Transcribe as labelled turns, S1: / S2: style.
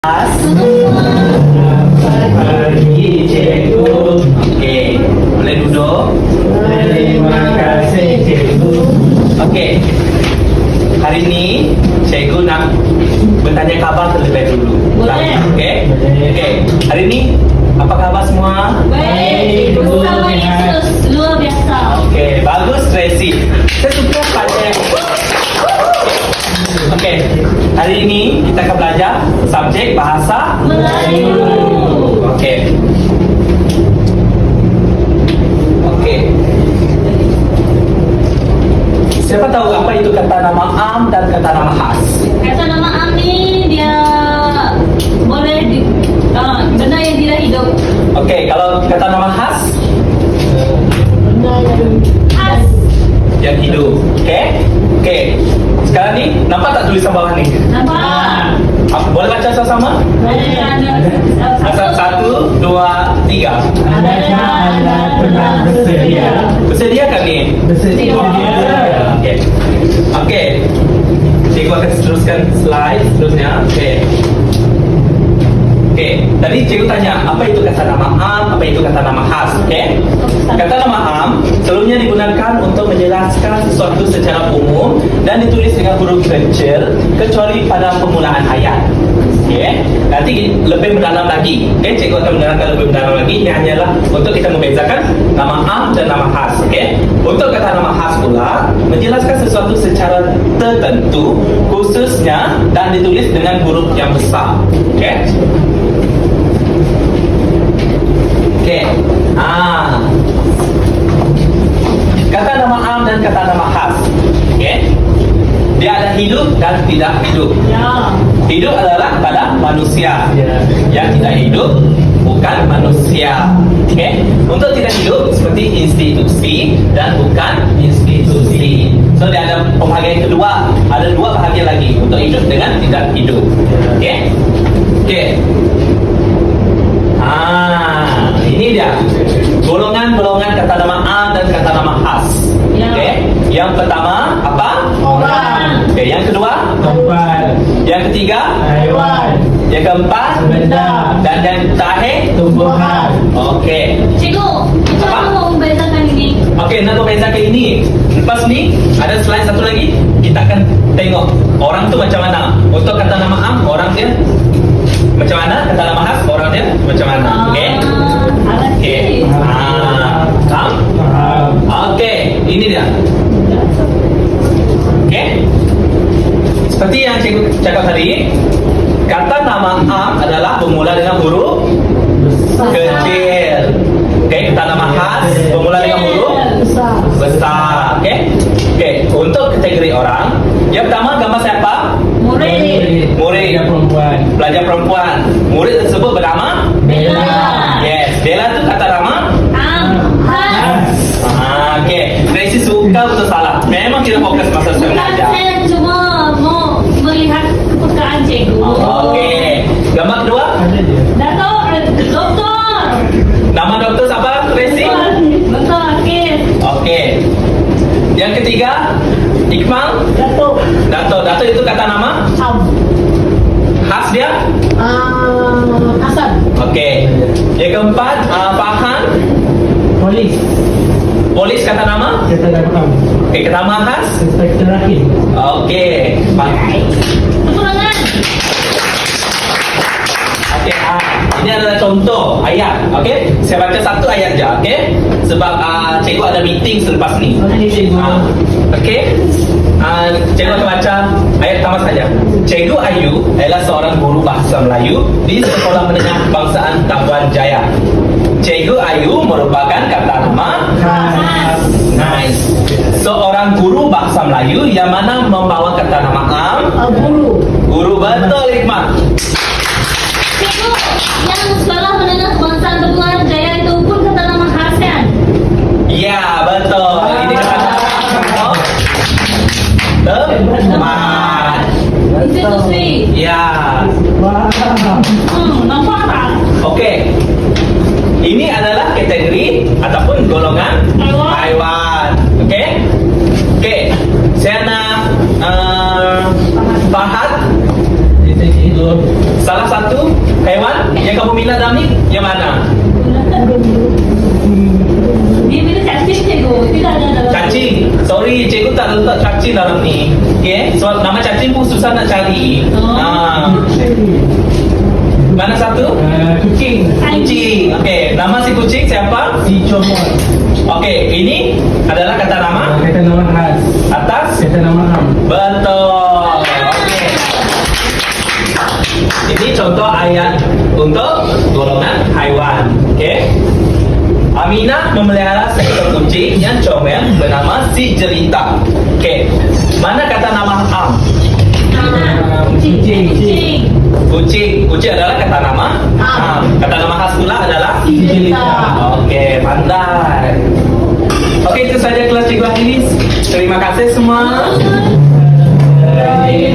S1: Selamat pagi cikgu. Okey, boleh duduk.
S2: Terima kasih cikgu.
S1: Okey, hari ini cikgu nak bertanya khabar terlebih dulu.
S3: Boleh.
S1: Okey, okey. Hari ini apa khabar semua?
S3: Baik, bersama Yesus luar biasa.
S1: Okey, bagus Tracy. Saya suka pada. Okey, hari ini kita akan belajar subjek bahasa
S3: Melayu.
S1: Okey. Okey. Siapa tahu apa itu kata nama am dan kata nama khas?
S3: Kata nama Am ni dia boleh benda yang tidak hidup.
S1: Okey, kalau kata nama khas
S3: Khas.
S1: yang hidup. Okey? Okey. Sekarang ni nampak tak tulisan bawah ni?
S3: Nampak?
S1: Boleh baca sama-sama? Satu, dua, tiga.
S2: Adakah anda pernah bersedia?
S1: Bersedia kan ni?
S2: Bersedia.
S1: Okey. Okey. Cikgu akan teruskan slide seterusnya. Okey. Okey. Tadi cikgu tanya apa itu kata nama am, apa itu kata nama khas. Okey. Kata nama am selalunya digunakan untuk menjelaskan sesuatu secara umum dan ditulis dengan huruf kecil kecuali pada permulaan ayat. Okey. Nanti lebih mendalam lagi. Okey, cikgu akan menerangkan lebih mendalam lagi. Ini hanyalah untuk kita membezakan nama am dan nama khas. Okey. Untuk kata nama khas pula menjelaskan sesuatu secara tertentu khususnya dan ditulis dengan huruf yang besar. Okey. Okey. Kata nama am dan kata nama khas. Okey. Dia ada hidup dan tidak hidup.
S3: Ya.
S1: Hidup adalah pada manusia.
S2: Ya.
S1: Yang tidak hidup bukan manusia. Okey. Untuk tidak hidup seperti institusi dan bukan institusi. So dia ada pembahagian kedua. Ada dua bahagian lagi untuk hidup dengan tidak hidup. Okey. Okey. Ini dia golongan-golongan kata nama am dan kata nama khas.
S3: Ya.
S1: Okey. Yang pertama apa?
S3: Orang.
S1: Okey, yang kedua,
S2: Tempat.
S1: yang ketiga,
S2: Haiwan.
S1: yang keempat,
S2: Benda.
S1: dan yang terakhir.
S2: Tumbuhan.
S1: Okey.
S3: Cikgu, kita
S1: Apa?
S3: mau membedakan ini.
S1: Okey, nak membezakan ini. Lepas ni ada slide satu lagi. Kita akan tengok orang tu macam mana. Untuk kata nama am, orang dia macam mana? Kata nama khas, orang dia macam mana? Okey. Okey. Faham?
S2: Faham.
S1: Okey, ini dia. Okey. Seperti yang cikgu cakap tadi, kata nama am adalah bermula dengan huruf kecil. Okey, kata nama khas bermula dengan huruf besar. Okey. Okey, untuk kategori orang, yang pertama gambar siapa?
S3: Murid.
S1: Murid.
S2: Pelajar perempuan.
S1: Pelajar perempuan. Murid tersebut bernama
S3: Bella.
S1: Yes, Bella tu kata nama.
S3: Am. Khas.
S1: Okey. Tracy suka betul salah. Memang tidak fokus masa saya
S3: Bukan,
S1: mengajar.
S3: saya cuma mau melihat kepekaan cikgu.
S1: Okey. Gambar kedua,
S2: Ada dia.
S3: Doktor.
S1: nama doktor siapa? Tracy.
S3: Betul, Akif.
S1: Okey. Yang ketiga, Iqmal.
S3: Datuk.
S1: Dato itu kata nama. Khas dia.
S3: Hasan.
S1: Okey. Yang keempat, Farhan.
S2: Polis.
S1: Polis kata nama.
S2: Kita datang.
S1: Okey, kata nama khas.
S2: Inspektor Rahim.
S1: Okey.
S3: Tepuk tangan.
S1: Okey, ini adalah contoh ayat. Okey, saya baca satu ayat je. Okey, sebab cikgu ada meeting selepas ni.
S2: Okey, cikgu.
S1: Okey, cikgu akan baca ayat pertama saja. Cikgu Ayu adalah seorang guru bahasa Melayu di Sekolah Menengah Kebangsaan Tambuan Jaya. Cikgu Ayu merupakan kata nama
S2: Khas.
S1: nice. Seorang guru bahasa Melayu yang mana membawa kata nama am.
S3: Guru.
S1: Guru betul, Hikmat.
S3: Cikgu, yang sekolah menengah kebangsaan Tambuan Jaya itu pun kata nama khas kan?
S1: Ya, betul. Ini kata teman.
S3: Institusi.
S1: Ya.
S2: Wah.
S3: Nampak tak?
S1: Okey. Ini adalah kategori ataupun golongan haiwan. Okey? Okey. Saya nak Fahad.
S2: Itu cikgu.
S1: Salah satu Yang mana?
S3: Dia bila cacing cikgu. Tidak ada dalam.
S1: Cacing. Sorry, cikgu tak letak cacing dalam ni. Okay, so nama cacing pun susah nak cari. Mana satu?
S2: Kucing.
S1: Kucing. Okay, nama si kucing siapa?
S2: Si Comot.
S1: Okay, ini adalah kata nama
S2: Kata nama khas.
S1: atas.
S2: Kata nama am.
S1: Betul. Okay. Ini contoh ayat untuk golongan haiwan. Okay. Aminah memelihara seekor kucing yang comel bernama si Jelita. Okay. Mana kata nama am?
S3: Kucing.
S1: Kucing adalah kata nama am. Kata nama khas pula adalah
S3: Si Jelita.
S1: Okey, pandai. Okey, itu saja kelas Cikgu Hafiz. Terima kasih semua.
S3: Bye.